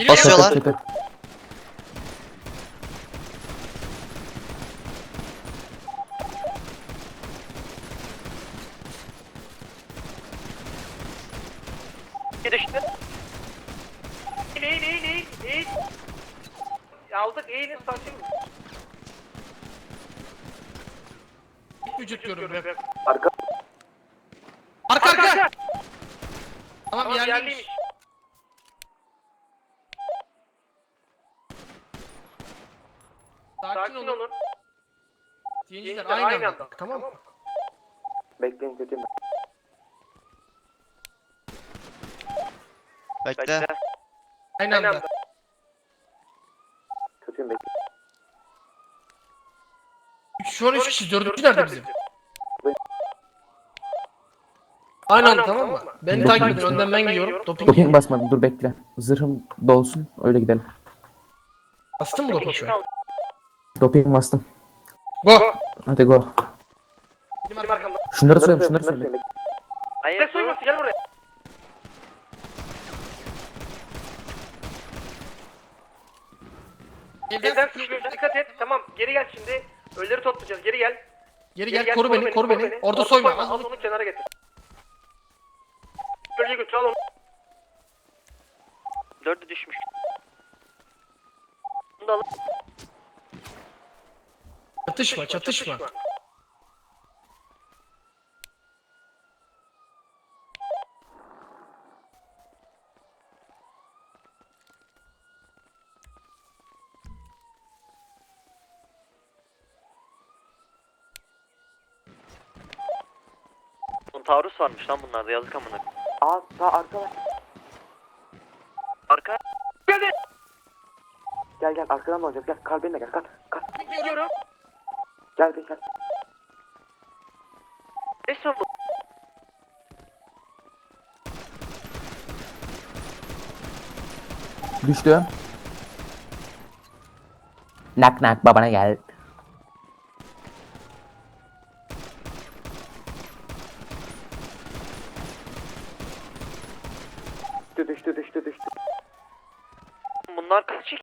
Basıyorlar. Tepe. Düştü. İyi. Aldık iyinin sakin. Vücut diyorum rap. Arka. Arka. Tamam Tamam yerliymiş. yerliymiş. Sakin olun. olun. Diyenciler Diyenciler aynı anda. Tamam mı? Bekleyin kötüyüm. Bekle. Aynı anda. Kötüyüm bekleyin. Şu an 3 kişi. Dördüncü nerede bizim? Aynı anda tamam mı? Beni takip edin. Önden ben gidiyorum. Doping basmadım, dur bekle. Zırhım dolsun, öyle gidelim. Bastın mı doping şu an? Doping bastım. Go. Hadi go. Benim arkamda. Şunları söyle. Hayır soyması gel buraya. Evden sıkışıyorsun dikkat et. Tamam geri gel şimdi. Ölüleri toplayacağız geri gel. Geri gel koru beni. Orada soyma. Al onu. onu kenara getir. Bölgeye götür al onu. 4'ü düşmüş. Bunu da alın. Çatışma. Taarruz varmış lan bunlarda yazık amına. Sağ arka var. Arka. Geldi. Gel arkadan da olacak gel kalbinle gel kalk. Gidiyorum. Gel. Ne son bu? Düştü. Nak babana gel. Düştü. Bunlar kaç